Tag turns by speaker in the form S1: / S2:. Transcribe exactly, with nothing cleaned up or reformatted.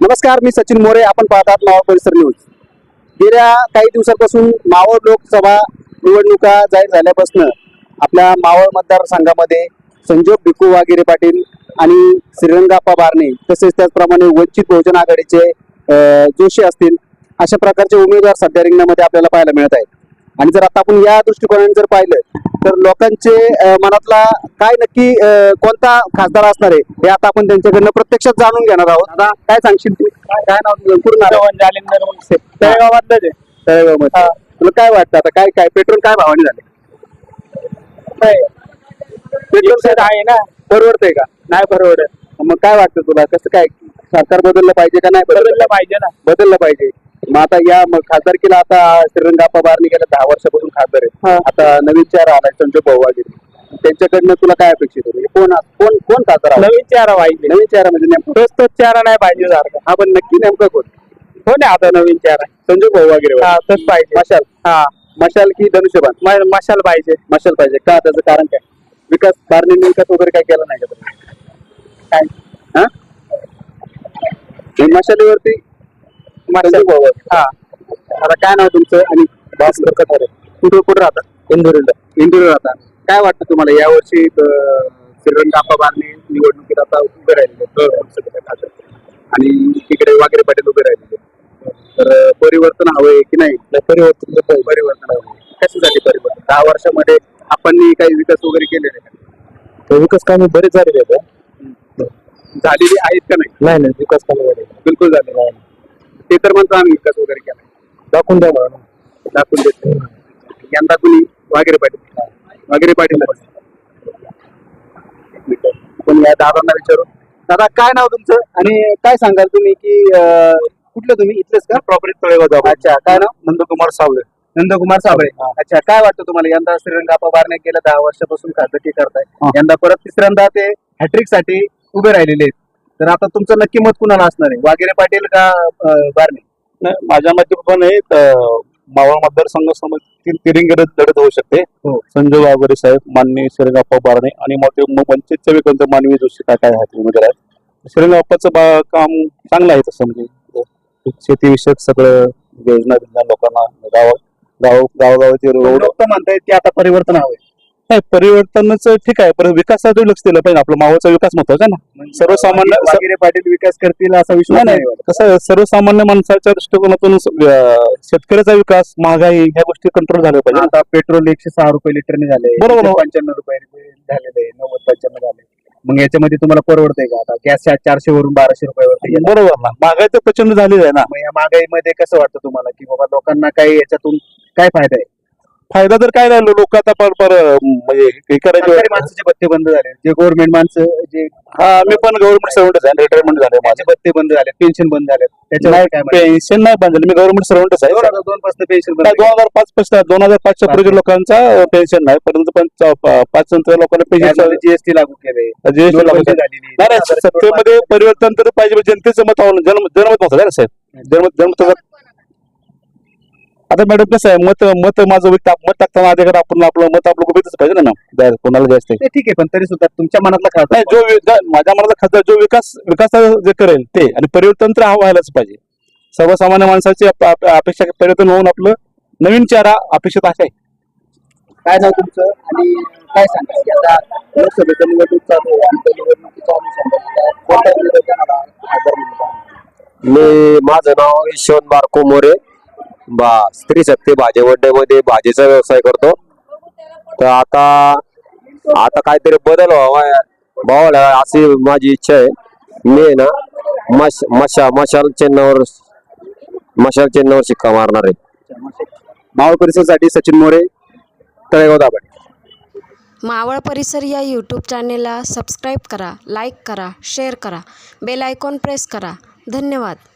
S1: नमस्कार, मी सचिन मोरे. आपण पाहतात मावळ परिसर न्यूज. गेल्या काही दिवसांपासून मावळ लोकसभा निवडणुका जाहीर झाल्यापासून आपल्या मावळ मतदारसंघामध्ये संजोग भिकू वागिरे पाटील आणि श्रीरंगाप्पा बारणे तसेच त्याचप्रमाणे वंचित बहुजन आघाडीचे जोशी असतील अशा प्रकारचे उमेदवार सध्या रिंगणामध्ये आपल्याला पाहायला मिळत आहेत. आणि जर आता आपण या दृष्टिकोनाने जर पाहिलं तर लोकांचे मनातला काय नक्की कोणता खासदार असणार आहे हे आता आपण त्यांच्याकडनं प्रत्यक्षात जाणून घेणार आहोत. दादा, काय सांगशील तू? काय नाव तुझं पूर्ण?
S2: जालिंदर मुंडसे, तळेगावातलं.
S1: तळेगावमध्ये तुला काय वाटतं आता? काय काय पेट्रोल काय भावाने झाले? पेट्रोल सेट आहे ना, परवडतंय का? नाही परवडत. मग काय वाटतं तुला, कसं काय सरकार बदललं पाहिजे का नाही?
S2: बदललं पाहिजे ना,
S1: बदललं पाहिजे. मग आता या खासदारकीला आता श्रीरंगाप्पा बारणे गेल्या दहा वर्षापासून खासदार आहेत. आता नवीन चेहरा आलाय संजोग भाऊ वागिरे, त्यांच्याकडनं तुला काय अपेक्षित होतं? कोण कोण कोण खासदार?
S2: नवीन चेहरा पाहिजे.
S1: नवीन चेहरा म्हणजे नेमकं
S2: तोच तोच चेहरा नाही पाहिजे सारखा.
S1: हा, पण नक्की नेमकं कोण?
S2: हो ना, आता नवीन चेहरा
S1: संजोग भाऊ वागिरे.
S2: हा, तोच पाहिजे.
S1: मशाल.
S2: हा,
S1: मशाल की धनुष्यबाण?
S2: म- मशाल पाहिजे.
S1: मशाल पाहिजे का? त्याचं कारण काय? विकास बारणेंनी विकास वगैरे काय केला नाही का तुम्ही?
S2: काय
S1: हा, हे मशालीवरती संजोग भाऊ वागिरे.
S2: हा,
S1: आता काय नाव तुमचं? आणि भास्कर कथारे. कुठं कुठं राहता?
S2: इंदुरीला.
S1: इंदूर राहता. काय वाटतं तुम्हाला यावर्षी श्रीरंगाप्पा बारणे निवडणुकीत आता उभे राहिलेले आणि तिकडे वागिरे पाटील उभे राहिलेले, तर परिवर्तन हवंय की नाही?
S2: परिवर्तन
S1: परिवर्तन हवं. कशासाठी परिवर्तन? दहा वर्षामध्ये आपण काही विकास वगैरे केलेले का?
S2: विकास कामे बरेच झालेले आहेत.
S1: झालेली आहेत का नाही?
S2: नाही नाही, विकास कामे झाले
S1: बिलकुल झाले नाही. ते तर म्हणतो आम्ही विकास वगैरे केला.
S2: दाखवून द्या म्हणून.
S1: दाखवून देत. यंदा कुणी? वागिरे पाटील. वागिरे पाटील. पण या दादांना विचारू. दादा, काय नाव तुमचं आणि काय सांगाल तुम्ही की कुठलं तुम्ही? इथलेच का?
S2: प्रॉपर्टी तळेगाव.
S1: अच्छा, काय नाव?
S2: नंदकुमार सावळे.
S1: नंदकुमार साबळे. अच्छा, काय वाटतं तुम्हाला यंदा श्रीरंगाप्पा बारणे गेल्या दहा वर्षापासून खासदारकी करताय, यंदा परत तिसऱ्यांदा ते हॅट्रिक साठी उभे राहिलेले आहेत, तर आता तुमचं नक्की मत कुणाला असणार आहे? वागिरे पाटील का बारणे?
S2: माझ्या मते पण मावळ मतदारसंघ तिरंगी लढत होऊ शकते. संजय वाघोरे साहेब, माननीय श्रीरंगाप्पा बारणे आणि वंचितचे विकंत मानवी जोशी काय काय आहेत उमेदवार आहेत. श्रीरंगाप्पाचं काम चांगलं आहे तसं, म्हणजे शेतीविषयक सगळं योजना दिल्या लोकांना. गाव गाव गावगावाचे रोड.
S1: लोक तर म्हणतायत की आता परिवर्तन हवंय.
S2: नाही, परिवर्तनच ठीक आहे, पण विकासासाठी लक्ष दिलं पाहिजे. आपला मावळचा विकास महत्वाचा ना. सर्वसामान्य
S1: वागिरे पाटील विकास करतील असा विश्वास
S2: नाही,
S1: नाही.
S2: कसं आहे, सर्वसामान्य माणसाच्या दृष्टिकोनातून शेतकऱ्याचा विकास, महागाई ह्या गोष्टी कंट्रोल झाल्या पाहिजे.
S1: आता पेट्रोल एकशे सहा रुपये लिटरने झाले,
S2: बरोबर.
S1: पंच्याण्णव रुपये झालेले, नव्वद पंच्याण्णव झाले. मग याच्यामध्ये तुम्हाला परवडतंय का? आता गॅस चारशे वरून बाराशे रुपयावरती.
S2: बरोबर ना, महागाई तर प्रचंड झालेली आहे ना.
S1: मग या महागाईमध्ये कसं वाटतं तुम्हाला की बाबा लोकांना काही याच्यातून काय फायदा आहे?
S2: फायदा तर काय राहिलो, लोक आता पर पर म्हणजे हे करायचे.
S1: सरकारी माणसाचे भत्ते बंद झाले, जे गव्हर्नमेंट माणसं जे
S2: हा, मी पण गव्हर्नमेंट सर्वंटच आहे, रिटायरमेंट झाले माझे.
S1: माझे भत्ते बंद झाले, पेन्शन बंद झाले, त्याच्यावर काय म्हणणं?
S2: पेन्शन नाही बंद झालं, मी गव्हर्नमेंट सर्वंटच आहे.
S1: दोन हजार दोन पासून पेन्शन बंद
S2: दोन हजार पाच पासून दोन हजार पाचच्या पूर्वी लोकांचा पेन्शन नाही, परंतु पण पाच नंतर लोकांना पेन्शन
S1: जीएसटी लागू केले.
S2: जीएसटी लागू झालेली. नाही, सत्तेमध्ये परिवर्तन तर पाहिजे. जनतेचं मत आवडलं, जन्म जनमत होतं ना साहेब. जनमत जनमत आता मॅडम कसं आहे, मत मत माझं मत टाकताना अधिकार आपण आपलं मत आपलं बघितलंच पाहिजे ना, कोणाला जास्त आहे.
S1: ठीक आहे, पण तरी सुद्धा तुमच्या मनातला खासदार
S2: नाही, जो माझ्या मनातला खासदार जो विकास विकास जे करेल ते, आणि परिवर्तन तर हा व्हायलाच पाहिजे. सर्वसामान्य माणसाची अपेक्षा परिवर्तन होऊन आपलं नवीन चेहरा अपेक्षित आहे.
S1: काय नाव तुमचं आणि काय सांगा की आता लोकसभेचं निवडणूक चालू आहे आणि त्या निवडणुकीच्या अनुषंगाने कोणत्या विरोधाला खासदार म्हणतात?
S3: मी माझं नाव यशवंत बारको मोरे, बा स्त्री शक्ती भाजीवड्डेमध्ये भाजीचा व्यवसाय करतो. तर आता आता काहीतरी बदल व्हावा भावाला अशी माझी इच्छा आहे. मी आहे ना मश मशा मशाल चिन्हावर मशाल चिन्हावर शिक्का मारणार आहे.
S1: मावळ परिसरसाठी सचिन मोरे, तळेगाव दाभाडे.
S4: मावळ परिसर या यूट्यूब चॅनेलला सबस्क्राईब करा, लाईक करा, शेअर करा, बेल आयकॉन प्रेस करा. धन्यवाद.